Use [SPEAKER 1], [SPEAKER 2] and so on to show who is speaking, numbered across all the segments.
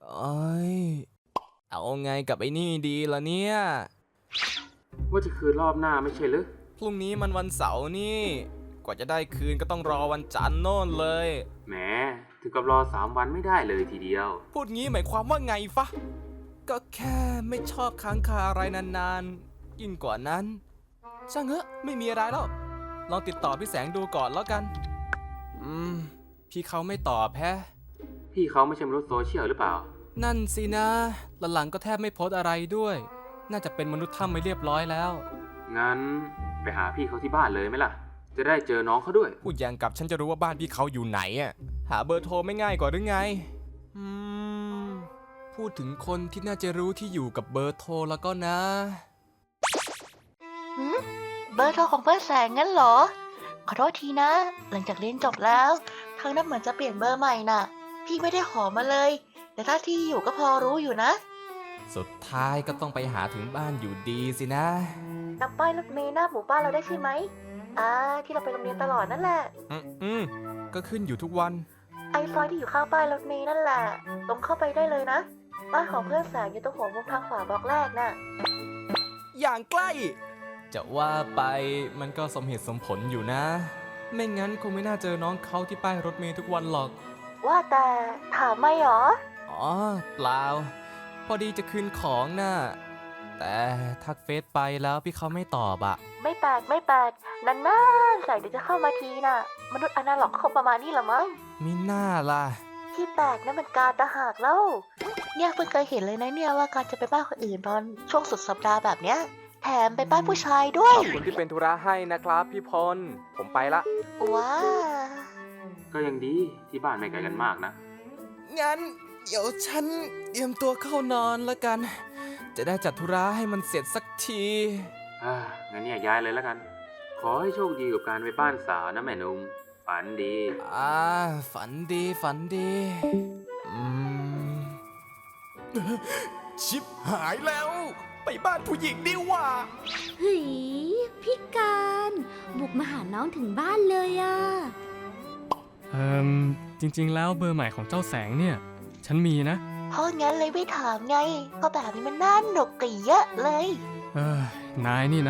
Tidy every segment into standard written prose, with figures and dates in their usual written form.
[SPEAKER 1] โอ้ยเอาไงกับไอ้นี่ดีล่ะเนี่ย
[SPEAKER 2] ว่าจะคืนรอบหน้าไม่ใช่หรือ
[SPEAKER 1] พรุ่งนี้มันวันเสาร์นี่กว่าจะได้คืนก็ต้องรอวันจันทร์โน่นเลย
[SPEAKER 2] แหมถึงกับรอ3 วันไม่ได้เลยทีเดียว
[SPEAKER 1] พูดงี้หมายความว่าไงฟะก็แค่ไม่ชอบค้างคาอะไรนานๆยิ่งกว่านั้นช่างเหอะไม่มีอะไรแล้วลองติดต่อพี่แสงดูก่อนแล้วกันพี่เขาไม่ตอบแฮะ
[SPEAKER 2] พี่เขาไม่ใช่มนุษย์โซเชียลหรือเปล่า
[SPEAKER 1] นั่นสินะหลังๆก็แทบไม่โพสต์อะไรด้วย น่าจะเป็นมนุษย์ถ้ำไม่เรียบร้อยแล้ว
[SPEAKER 2] งั้นไปหาพี่เขาที่บ้านเลยไหมล่ะ จะได้เจอน้องเขาด้วย
[SPEAKER 1] พูดอย่างกับฉันจะรู้ว่าบ้านพี่เขาอยู่ไหนอ่ะหาเบอร์โทรไม่ง่ายกว่าหรือไงพูดถึงคนที่น่าจะรู้ที่อยู่กับเบอร์โทรแล้วก็นะ
[SPEAKER 3] เบอร์โทรของเพื่อนแสงงั้นเหรอ ขอโทษทีนะ หลังจากเรียนจบแล้วทางนั้นเหมือนจะเปลี่ยนเบอร์ใหม่น่ะ พี่ไม่ได้ขอมาเลย แต่ถ้าที่อยู่ก็พอรู้อยู่นะ
[SPEAKER 1] สุดท้ายก็ต้องไปหาถึงบ้านอยู่ดีสินะ
[SPEAKER 3] จำป้ายรถเมล์หน้าหมู่บ้านเราได้ใช่ไหมที่เราไปโรงเรียนตลอดนั่นแหละ
[SPEAKER 1] ก็ขึ้นอยู่ทุกวัน
[SPEAKER 3] ไอซอยที่อยู่ข้างป้ายรถเมล์นั่นแหละ ตรงเข้าไปได้เลยนะ บ้านของเพื่อนแสงอยู่ตรงหัวมุมทางขวาบล็อกแรกน่ะ
[SPEAKER 1] อย่างใกล้ จะว่าไปมันก็สมเหตุสมผลอยู่นะ ไม่งั้นคงไม่น่าเจอน้องเขาที่ป้ายรถเมล์ทุกวันหรอก
[SPEAKER 3] ว่าแต่ถามไม่หรอ
[SPEAKER 1] อ๋อเปล่า พอดีจะคืนของน่ะ แต่ทักเฟซไปแล้วพี่เขาไม่ตอบอะ
[SPEAKER 3] ไม่แปลกนานๆใส่เดี๋ยวจะเข้ามาทีน่ะ มนุษย์อนาล็อกคงประมาณนี้ละมั้ง
[SPEAKER 1] มิน่าล่ะ
[SPEAKER 3] ที่แปลกนั่นมันการตะหากแล้วเนี่ยเพิ่งเคยเห็นเลยนะเนี่ยว่าการจะไปบ้านคนอื่นตอนช่วงสุดสัปดาห์แบบเนี้ยแถมไปบ้านผู้ชายด้วย
[SPEAKER 1] ขอบคุณที่เป็นธุระให้นะครับพี่พล ผมไปละ
[SPEAKER 3] ว้า
[SPEAKER 2] ก็ยังดีที่บ้านไม่ไกลกันมากนะ
[SPEAKER 1] งั้นเดี๋ยวฉันเตรียมตัวเข้านอนแล้วกัน จะได้จัดธุระให้มันเสร็จสักที
[SPEAKER 2] งั้นเนี่ยย้ายเลยแล้วกัน ขอให้โชคดีกับการไปบ้านสาวนะแม่นุ่มฝันดี
[SPEAKER 1] ฝันดีฝันดี ชิบหายแล้ว ไปบ้านผู้หญิงดีกว่า
[SPEAKER 4] เฮ้ยพี่การบุกมาหาน้องถึงบ้านเลยอะ
[SPEAKER 5] จริงๆแล้วเบอร์ใหม่ของเจ้าแสงเนี่ย ฉันมีนะ
[SPEAKER 3] เพราะงั้นเลยไม่ถามไงเพราะแบบนี้มันน่าหนกกี่เยอะเลย
[SPEAKER 5] นายนี่นะ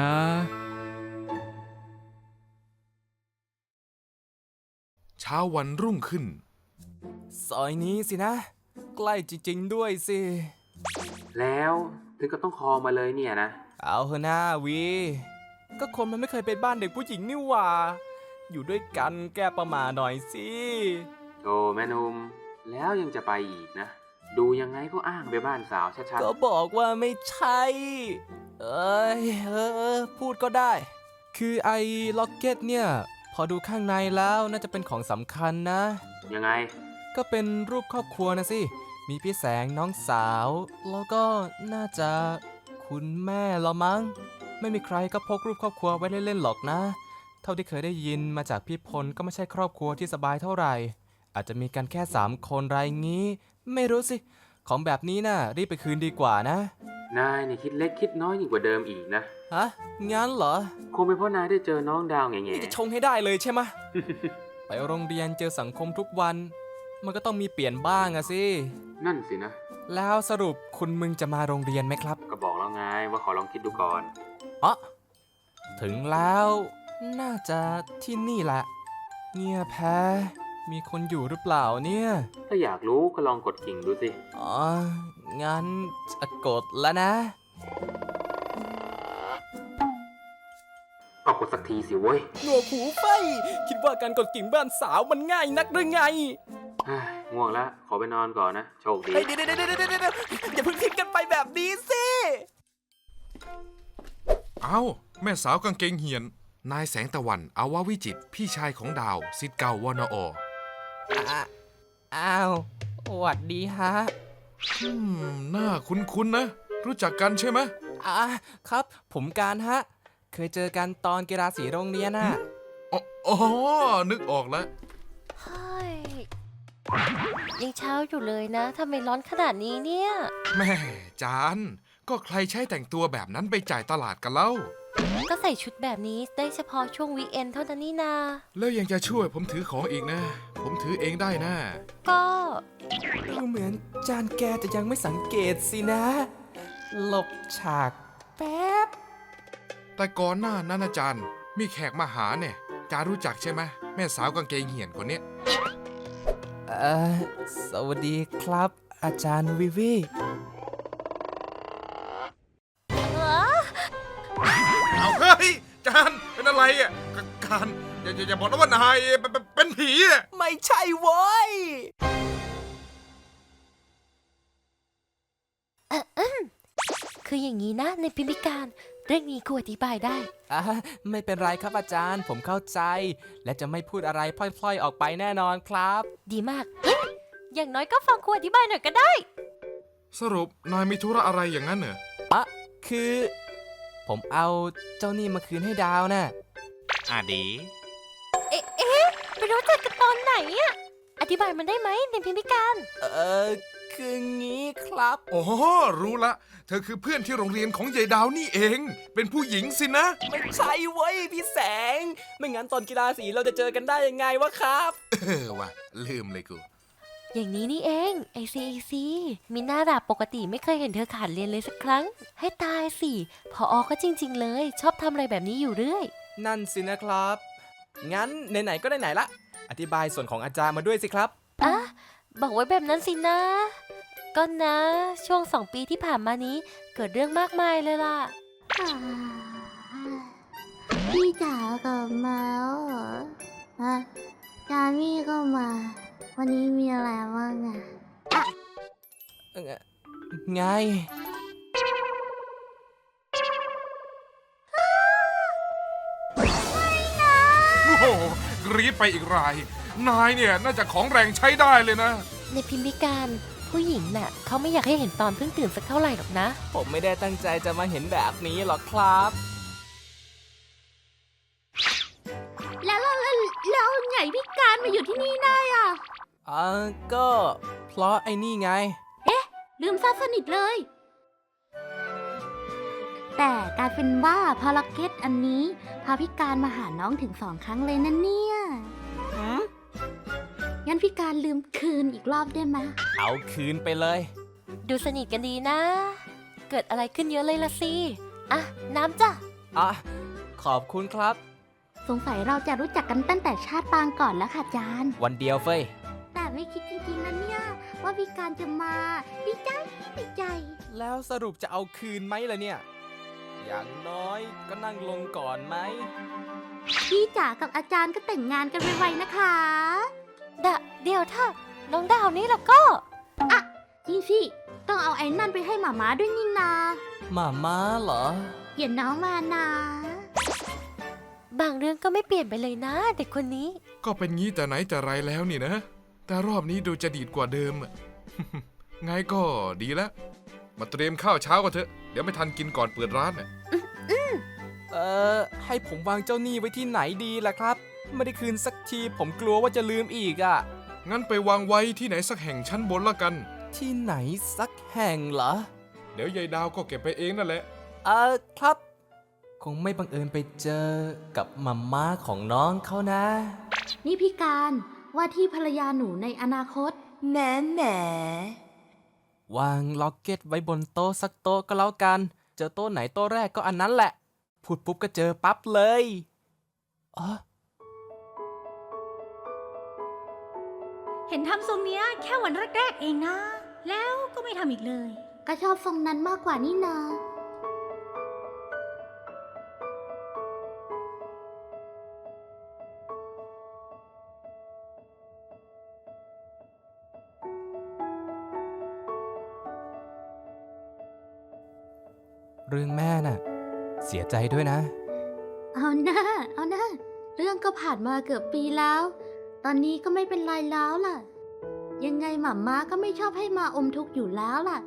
[SPEAKER 6] เช้าวันรุ่งขึ้น
[SPEAKER 1] ซอยนี้สินะ ใกล้จริงๆด้วยสิ
[SPEAKER 2] แล้วถึงก็ต้องคอมาเลยเนี่ยนะ
[SPEAKER 1] เอาเถอะหน้าวี ก็คนมันไม่เคยไปบ้านเด็กผู้หญิงนี่หว่า อยู่ด้วยกันแก้ประหม่าหน่อยสิ
[SPEAKER 2] โอ้แม่นุ่มแล้วยังจะไปอีกนะ ดูยังไงก็อ้างไปบ้านสาวชัด
[SPEAKER 1] ก็บอกว่าไม่ใช่ เอ้ยพูดก็ได้ คือไอ้ล็อกเก็ตเนี่ย พอดูข้างในแล้วน่าจะเป็นของสำคัญนะ
[SPEAKER 2] ๆยังไง
[SPEAKER 1] ก็เป็นรูปครอบครัวนะสิ มีพี่แสงน้องสาว แล้วก็น่าจะคุณแม่ละมั้ง ไม่มีใครก็พกรูปครอบครัวไว้เล่นๆหรอกนะ เท่าที่เคยได้ยินมาจากพี่พลก็ไม่ใช่ครอบครัวที่สบายเท่าไหร่ อาจจะมีกันแค่3 คนไรงี้ ไม่รู้สิ ของแบบนี้น่ะรีบไปคืนดีกว่านะ
[SPEAKER 2] นายนี่คิดเล็กคิดน้อยยิ่งกว่าเดิมอีกนะ
[SPEAKER 1] ฮะ งั้นเหรอ
[SPEAKER 2] คงเป็นเพราะนายได้เจอน้องดาวแง่
[SPEAKER 1] นี่จะชงให้ได้เลยใช่ไหม ไปโรงเรียนเจอสังคมทุกวัน มันก็ต้องมีเปลี่ยนบ้างอะสิ
[SPEAKER 2] ๆนั่นสินะ
[SPEAKER 1] แล้วสรุปคุณมึงจะมาโรงเรียนไหมครับ
[SPEAKER 2] ก็บอกแล้วไงว่าขอลองคิดดูก่อน
[SPEAKER 1] อ๋อถึงแล้วน่าจะที่นี่แหละ เงียบแพ้มีคนอยู่หรือเปล่าเนี่ย
[SPEAKER 2] ถ้าอยากรู้ก็ลองกดกิ่งดูสิ
[SPEAKER 1] อ๋อ งั้นจะกดแล้วนะ
[SPEAKER 2] ก็กดสักทีสิเว้ย
[SPEAKER 1] หนวกหูไฟ คิดว่าการกดกิ่งบ้านสาวมันง่ายนักหรือไง
[SPEAKER 2] ง่วงแล้วขอไปนอนก่อนนะ โชคดี
[SPEAKER 1] เฮ้ยเดี๋ยวอย่าเพิ่งทิ้งกันไปแบบนี้สิ
[SPEAKER 6] เอ้า แม่สาวกางเกงเหียน นายแสงตะวันอาวาวิจิตรพี่ชายของดาวศิษย์เก่าวนอ
[SPEAKER 1] อ้าวสวัสดีฮะ
[SPEAKER 6] หน้าคุ้นๆนะ รู้จักกันใช่ไหม
[SPEAKER 1] ครับ ผมการฮะ เคยเจอกันตอนกีฬาสีโรงเรียนน่ะ
[SPEAKER 6] อ๋อ นึกออกแล้ว
[SPEAKER 7] เฮ้ยยังเช้าอยู่เลยนะทำไมร้อนขนาดนี้เนี่ย
[SPEAKER 6] แม่จาน ก็ใครใช้แต่งตัวแบบนั้นไปจ่ายตลาดกันเล่า
[SPEAKER 7] ก็ใส่ชุดแบบนี้ได้เฉพาะช่วงวีคเอนเท่านั้นนี่นา
[SPEAKER 6] แล้วยังจะช่วยผมถือของอีกนะ ผมถือเองได้นะ
[SPEAKER 7] ก็
[SPEAKER 1] ดูเหมือนจานแกจะยังไม่สังเกตสินะ หลบฉากแป๊บ
[SPEAKER 6] แต่ก่อนหน้านั้นอาจารย์มีแขกมาหาเนี่ยจารู้จักใช่ไหมแม่สาวกางเกงเหี่ยนคนเนี้ย
[SPEAKER 1] สวัสดีครับ อาจารย์วิวี
[SPEAKER 6] เอาเฮ้ยจานเป็นอะไรอ่ะการอย่าบอกนะว่านายเป็นผีอ่ะ
[SPEAKER 1] ไม่ใช่โว้ย
[SPEAKER 7] คืออย่างนี้นะในพิมพิการ เรื่องนี้กูอธิบายได้
[SPEAKER 1] ไม่เป็นไรครับอาจารย์ผมเข้าใจ และจะไม่พูดอะไรพล่อยๆออกไปแน่นอนครับ
[SPEAKER 7] ดีมากเฮ้ยอย่างน้อยก็ฟังกูอธิบายหน่อยก็ได้
[SPEAKER 6] สรุปนายมีธุระอะไรอย่างนั้นเหรอ
[SPEAKER 1] คือ ผมเอาเจ้านี่มาคืนให้ดาวน่ะ
[SPEAKER 6] ดี
[SPEAKER 7] ไปรู้จักกันตอนไหนอะอธิบายมันได้ไหมในพิมพิการ
[SPEAKER 1] คืองี้ครับ
[SPEAKER 6] โอ้รู้ละ เธอคือเพื่อนที่โรงเรียนของยายดาวนี่เอง เป็นผู้หญิงสินะ
[SPEAKER 1] ไม่ใช่เว้ยพี่แสง ไม่งั้นตอนกีฬาสีเราจะเจอกันได้ยังไงวะครับ
[SPEAKER 6] ว่ะลืมเลยกู
[SPEAKER 7] อย่างนี้นี่เองไอซีมีหน้าด่าปกติไม่เคยเห็นเธอขาดเรียนเลยสักครั้ง ให้ตายสิพอก็จริง ๆ เลย ชอบทำอะไรแบบนี้อยู่เรื่อย
[SPEAKER 1] นั่นสินะครับ งั้นไหนๆก็ไหนๆละ อธิบายส่วนของอาจารย์มาด้วยสิครับ
[SPEAKER 7] อ่ะบอกไว้แบบนั้นสินะ ก็นะ ช่วง2 ปีที่ผ่านมานี้เกิดเรื่องมากมายเลยล่ะ
[SPEAKER 4] พี่จ๋ากลับมาแล้วเหรอฮะจามี่ก็มา วันนี้มีอะไรบ้างอะ
[SPEAKER 1] ไง
[SPEAKER 6] โอ้โหกรี๊ดไปอีกราย นายเนี่ยน่าจะของแรงใช้ได้เลยนะ
[SPEAKER 7] ในพิมพิการผู้หญิงน่ะเขาไม่อยากให้เห็นตอนเพิ่งตื่นสักเท่าไหร่หรอกนะ
[SPEAKER 1] ผมไม่ได้ตั้งใจจะมาเห็นแบบนี้หรอกครับ
[SPEAKER 4] แล้วไงพี่การมาอยู่ที่นี่ได้อ่ะ
[SPEAKER 1] ก็เพราะไอ้นี่ไง
[SPEAKER 4] ลืมซะสนิทเลย แต่กลายเป็นว่าภารกิจอันนี้พาพี่การมาหาน้องถึง2 ครั้งเลยนะเนี่ย งั้นพี่การลืมคืนอีกรอบได้ไหม
[SPEAKER 1] เอาคืนไปเลย
[SPEAKER 7] ดูสนิทกันดีนะ เกิดอะไรขึ้นเยอะเลยละสิ อ่ะ น้ำจ้ะ
[SPEAKER 1] ขอบคุณครับ
[SPEAKER 4] สงสัยเราจะรู้จักกันตั้งแต่ชาติปางก่อนแล้วค่ะจาน
[SPEAKER 1] วันเดียวเฟ้ย
[SPEAKER 4] แต่ไม่คิดจริงๆนะเนี่ย ว่าพี่การจะมาดีใจ
[SPEAKER 1] แล้วสรุปจะเอาคืนไหมล่ะเนี่ย อย่างน้อยก็นั่งลงก่อนไหม
[SPEAKER 4] พี่จ๋ากับอาจารย์ก็แต่งงานกันไวๆนะคะ
[SPEAKER 7] เดี๋ยวถ้าน้องดาวนี่แล้วก็
[SPEAKER 4] จริงสิต้องเอาไอ้นั่นไปให้หมาม้าด้วยนี่นา
[SPEAKER 1] หมาม้าเหรอ
[SPEAKER 4] เดี๋ยวน้องมานะ
[SPEAKER 7] บางเรื่องก็ไม่เปลี่ยนไปเลยนะ เด็กคนนี้
[SPEAKER 6] ก็เป็นงี้แต่ไหนแต่ไรแล้วนี่นะ แต่รอบนี้ดูจะดีดกว่าเดิมอะ ไงก็ดีแล้ว มาเตรียมข้าวเช้ากันเถอะ เดี๋ยวไม่ทันกินก่อนเปิดร้านน่ะ
[SPEAKER 1] ให้ผมวางเจ้าหนี้ไว้ที่ไหนดีล่ะครับ ไม่ได้คืนสักทีผมกลัวว่าจะลืมอีกอ่ะ
[SPEAKER 6] งั้นไปวางไว้ที่ไหนสักแห่งชั้นบนละกัน
[SPEAKER 1] ที่ไหนสักแห่งเหรอ
[SPEAKER 6] เดี๋ยวยายดาวก็เก็บไปเองนั่นแหละ
[SPEAKER 1] ครับ คงไม่บังเอิญไปเจอกับมัมม่าของน้องเขานะ
[SPEAKER 4] นี่พี่การว่าที่ภรรยาหนูในอนาคต
[SPEAKER 3] แหม
[SPEAKER 1] วางล็อกเก็ตไว้บนโต๊ะสักโต๊ะก็แล้วกัน เจอโต๊ะไหนโต๊ะแรกก็อันนั้นแหละ พูดปุ๊บก็เจอปั๊บเลยอ๋อ
[SPEAKER 8] เห็นทำทรงเนี้ยแค่วันแรกๆเองนะ แล้วก็ไม่ทำอีกเลย
[SPEAKER 4] ก็ชอบทรงนั้นมากกว่านี่นา
[SPEAKER 1] เรื่องแม่น่ะ เสียใจด้วยนะ
[SPEAKER 4] เอาหน้าเรื่องก็ผ่านมาเกือบปีแล้ว ตอนนี้ก็ไม่เป็นไรแล้วล่ะ ยังไงหม่าม้าก็ไม่ชอบให้มาอมทุกข์อยู่แล้วล่ะ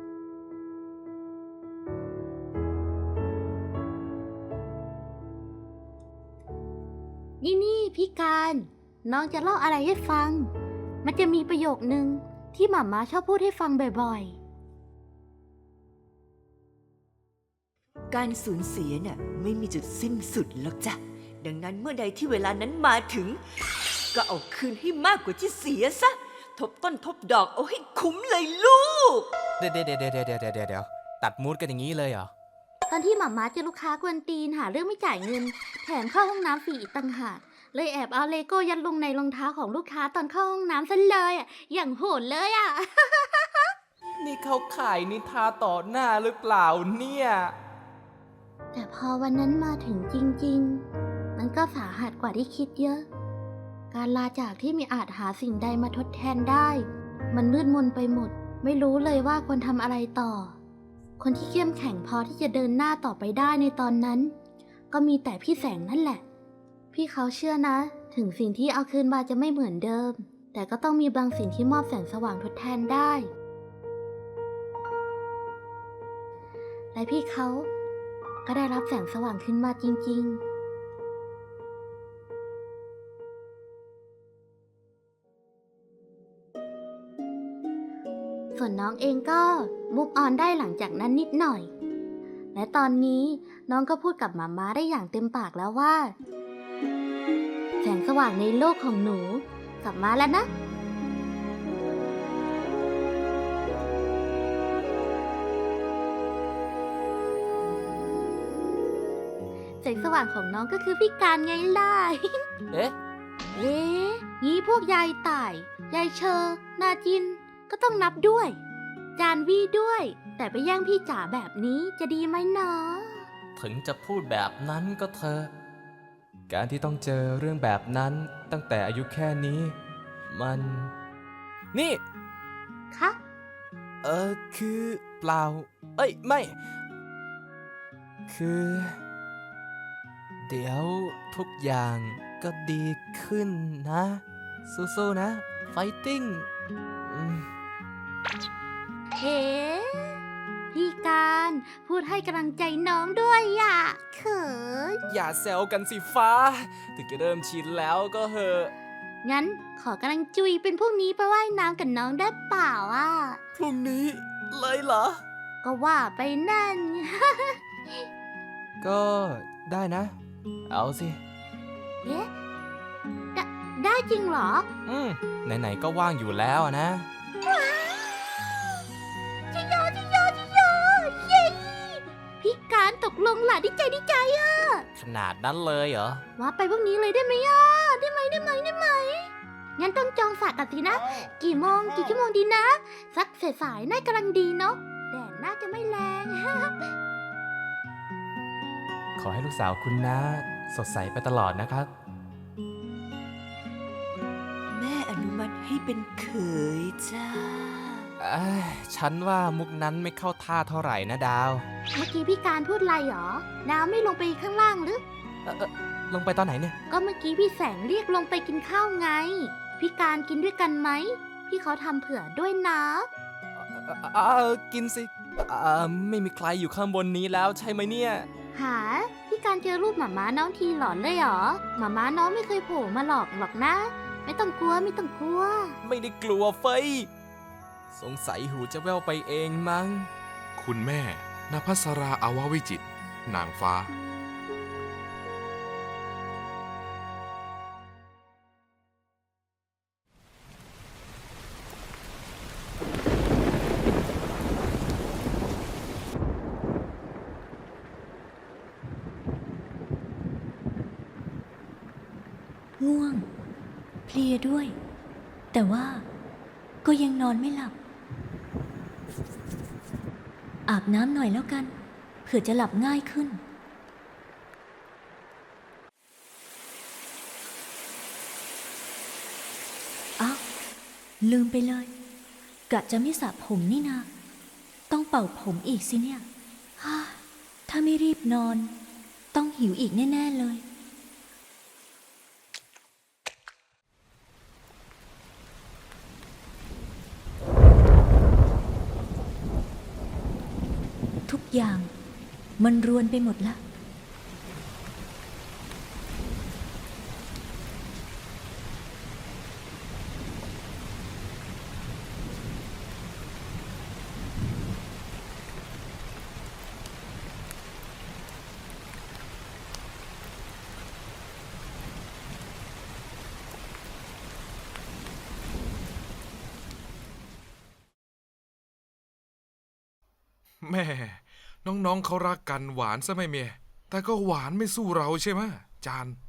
[SPEAKER 4] นี่พี่การน้องจะเล่าอะไรให้ฟัง มันจะมีประโยคนึงที่หม่าม้าชอบพูดให้ฟังบ่อยๆ
[SPEAKER 9] การสูญเสียน่ะไม่มีจุดสิ้นสุดหรอกจ้ะ ดังนั้นเมื่อใดที่เวลานั้นมาถึง ก็เอาคืนให้มากกว่าที่เสียซะ ทบต้นทบดอกเอาให้คุ้มเลยลูก
[SPEAKER 1] เดี๋ยวตัดมูดกันอย่างนี้เลยเหรอ
[SPEAKER 4] ตอนที่หม่าม้าเจอลูกค้ากวนตีนหาเรื่องไม่จ่ายเงิน แถมเข้าห้องน้ำฟรีอีกต่างหากเลยแอบเอาเลโก้ยัดลงในรองเท้าของลูกค้าตอนเข้าห้องน้ำซะเลยอ่ะอย่างโหดเลยอ่ะ
[SPEAKER 1] นี่เขาขายนิทาต่อหน้าหรือเปล่าเนี่ย
[SPEAKER 4] แต่พอวันนั้นมาถึงจริงๆ มันก็สาหัสกว่าที่คิดเยอะ การลาจากที่ไมีอาจหาสิ่งใดมาทดแทนได้ มันมืดมนไปหมด ไม่รู้เลยว่าควรทำอะไรต่อ คนที่เข้มแข็งพอที่จะเดินหน้าต่อไปได้ในตอนนั้น ก็มีแต่พี่แสงนั่นแหละ พี่เขาเชื่อนะ ถึงสิ่งที่เอาคืนมาจะไม่เหมือนเดิม แต่ก็ต้องมีบางสิ่งที่มอบแสงสว่างทดแทนได้ และพี่เขาก็ได้รับแสงสว่างขึ้นมาจริงๆ ส่วนน้องเองก็มุกออนได้หลังจากนั้นนิดหน่อย และตอนนี้น้องก็พูดกับหมาม้าได้อย่างเต็มปากแล้วว่า แสงสว่างในโลกของหนูกลับมาแล้วนะ แสงสว่างของน้องก็คือพี่การไงล่ะ
[SPEAKER 1] เอ๊ะ
[SPEAKER 4] เอ๊ะงี้พวกยายต่าย ยายเชอ นาจิน ก็ต้องนับด้วย จานวี่ด้วย แต่ไปแย่งพี่จ๋าแบบนี้จะดีไหมเนาะ
[SPEAKER 1] ถึงจะพูดแบบนั้นก็เถอะ การที่ต้องเจอเรื่องแบบนั้นตั้งแต่อายุแค่นี้ มัน นี่
[SPEAKER 4] คะ
[SPEAKER 1] คือเปล่า เอ้ย ไม่ คือ เดี๋ยวทุกอย่างก็ดีขึ้นนะ สู้ๆนะ ไฟติ้ง
[SPEAKER 4] เฮ้พี่การพูดให้กำลังใจน้องด้วยอ่ะเขิน
[SPEAKER 1] อย่าแซวกันสิฟ้า ถึงจะเริ่มชินแล้วก็เหอะ
[SPEAKER 4] งั้นขอกำลังจุยเป็นพวกนี้ไปว่ายน้ำกับน้องได้เปล่าอ่ะ
[SPEAKER 1] พรุ่งนี้เลยเหรอ
[SPEAKER 4] ก็ว่าไปนั่น
[SPEAKER 1] ก็ได้นะ เอาสิ
[SPEAKER 4] เอ๊ะได้จริงเหรอ
[SPEAKER 1] ไหนๆก็ว่างอยู่แล้วนะ
[SPEAKER 4] จิโยเย้พี่การตกลงล่ะดีใจอ่ะ
[SPEAKER 1] ขนาดนั้นเลยเหรอ
[SPEAKER 4] ว่าไปพวกนี้เลยได้ไหมอ่ะ ได้ไหมงั้นต้องจองฝากกันสินะ กี่ชั่วโมงดีนะ สักสายๆน่ากำลังดีเนาะ แดดน่าจะไม่แรง
[SPEAKER 1] ขอให้ลูกสาวคุณนะสดใสไปตลอดนะครับ
[SPEAKER 9] แม่อนุมัติให้เป็นเขยจ้า
[SPEAKER 1] ฉันว่ามุกนั้นไม่เข้าท่าเท่าไหร่นะดาว
[SPEAKER 4] เมื่อกี้พี่การพูดอะไรหรอ น้ำไม่ลงไปข้างล่างหรือ
[SPEAKER 1] ลงไปตอนไหนเนี่ย
[SPEAKER 4] ก็เมื่อกี้พี่แสงเรียกลงไปกินข้าวไง พี่การกินด้วยกันไหม พี่เขาทำเผื่อด้วยนะ
[SPEAKER 1] กินสิ ไม่มีใครอยู่ข้างบนนี้แล้วใช่ไหมเนี่ย
[SPEAKER 4] หา พี่การเจอรูปหมาม้าน้องทีหลอนเลยเหรอ หมาม้าน้องไม่เคยโผล่มาหรอกนะ ไม่ต้องกลัว
[SPEAKER 1] ไม่ได้กลัวเฟยสงสัยหูจะแว่วไปเองมั้ง
[SPEAKER 6] คุณแม่นภัสราอาววิจิตรนางฟ้า
[SPEAKER 8] ง่วง เพลียด้วย แต่ว่าก็ยังนอนไม่หลับ อาบน้ำหน่อยแล้วกัน เผื่อจะหลับง่ายขึ้น อ้าว ลืมไปเลย กะจะไม่สระผมนี่นา ต้องเป่าผมอีกสิเนี่ย ฮ่า ถ้าไม่รีบนอน ต้องหิวอีกแน่ ๆ เลย ทุกอย่างมันรวนไปหมดละ
[SPEAKER 6] แม่น้องๆเขารักกันหวานซะไม่เมียแต่ก็หวานไม่สู้เราใช่ไหมจาน